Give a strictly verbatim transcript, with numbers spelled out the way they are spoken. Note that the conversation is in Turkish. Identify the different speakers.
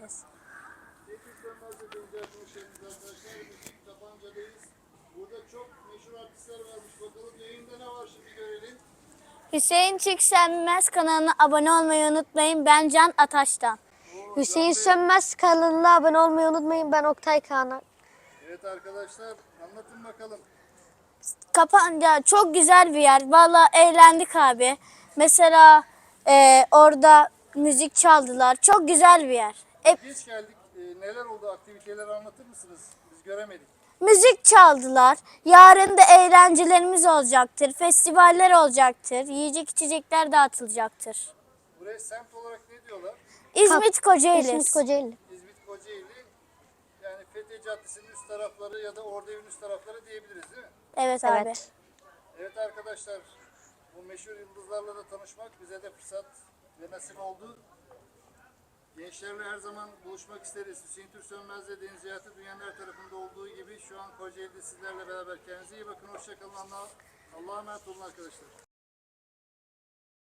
Speaker 1: Teknik Sönmez'de deneyeceğiz. Hoş geldiniz arkadaşlar. Bugün Tapanca'dayız. Burada çok meşhur artistler varmış. Bakalım yayında ne var şimdi görelim.
Speaker 2: Hüseyin Türk Sönmez kanalına abone olmayı unutmayın. Ben Can Ataş'tan.
Speaker 1: Oo,
Speaker 3: Hüseyin
Speaker 1: Can Bey.
Speaker 3: Sönmez kanalına abone olmayı unutmayın. Ben Oktay Kağanak.
Speaker 1: Evet arkadaşlar anlatın bakalım.
Speaker 2: Kapanca çok güzel bir yer. Vallahi eğlendik abi. Mesela e, orada müzik çaldılar. Çok güzel bir yer. E,
Speaker 1: Geç geldik. Ee, neler oldu? Aktiviteleri anlatır mısınız? Biz göremedik.
Speaker 2: müzik çaldılar. Yarın da eğlencelerimiz olacaktır. Festivaller olacaktır. Yiyecek içecekler dağıtılacaktır.
Speaker 1: Buraya semt olarak ne diyorlar?
Speaker 2: İzmit Kocaeli.
Speaker 3: İzmit Kocaeli.
Speaker 1: İzmit Kocaeli. Yani Fethiye Caddesi'nin üst tarafları ya da Orduevin üst tarafları diyebiliriz değil mi?
Speaker 2: Evet abi.
Speaker 3: Evet.
Speaker 1: Evet arkadaşlar, bu meşhur yıldızlarla da tanışmak bize de fırsat ve nasip oldu. Gençlerle her zaman buluşmak isteriz. Hüseyin Türk Sönmez'le Deniz Hayatı dünyanın her tarafında olduğu gibi şu an Kocaeli'de sizlerle beraber. Kendinize iyi bakın, hoşçakalın. Allah'a Allah'a emanet olun arkadaşlar.